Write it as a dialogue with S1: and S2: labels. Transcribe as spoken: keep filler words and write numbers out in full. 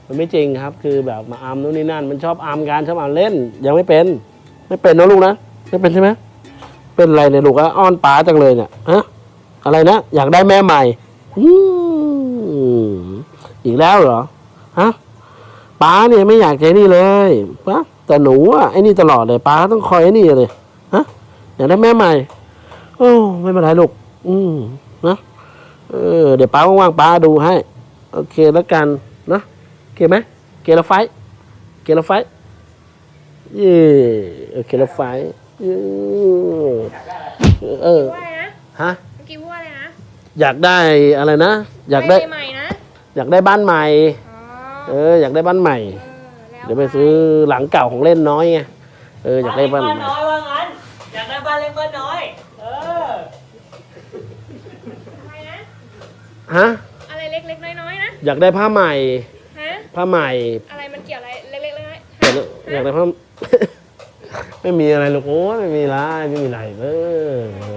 S1: มันไม่จริงครับคือแบบมาอัมนู่นนี่นั่นมันชอบอัมกันชอบอัมเล่นยังไม่เป็นไม่เป็นนะลูกนะไม่เป็นใช่ไหมเป็นอะไรเนี่ยลูกอ้อนป๋าจังเลยเนี่ยฮะอะไรนะอยากได้แม่ใหม่อืมอีกแล้วเหรอฮะป๋าเนี่ยไม่อยากใจนี่เลยป๋าแต่หนูอ่ะไอ้นี่ตลอดเลยป๋าต้องคอยไอ้นี่เลยฮะอยากได้แม่ใหม่โอ้ไม่เป็นไรลูกอืมนะเออเดี๋ยวป๋าว่างๆป๋าดูให้โอเคแล้วกันนะโอเคไหมเกลไฟเกลไฟเย่โอเคแล้วไฟเออ
S2: ว่าอะไรนะ
S1: ฮะ
S2: เมื่อกี้ว่าอะไรนะ
S1: อยากได้อะไรนะอยากได้
S2: ใหม่ๆนะ
S1: อยากได้บ้านใหม่
S2: อ๋อ
S1: เอออยากได้บ้านใหม่
S2: เออแล้ว
S1: เดี๋ยวไปซื้อหลังเก่าของเล่นน้อยไงเอออยากได้บ้านใหม่
S3: น้อยว่างั้นอยากได้บ้านเล็กบ้านน้อยเออ
S2: อะไรนะ
S1: ฮะ
S2: อะไรเล็กๆน้อยๆนะ
S1: อยากได้ผ้าใหม่
S2: ฮะ
S1: ผ้าใหม่
S2: อะไรมันเกี่ยวอะไรเล็กๆน้อย
S1: อยากได้อยากได้ผ้า ไม่มีอะไรหรอกโอ้ยไม่มีไรไม่มีไรเออ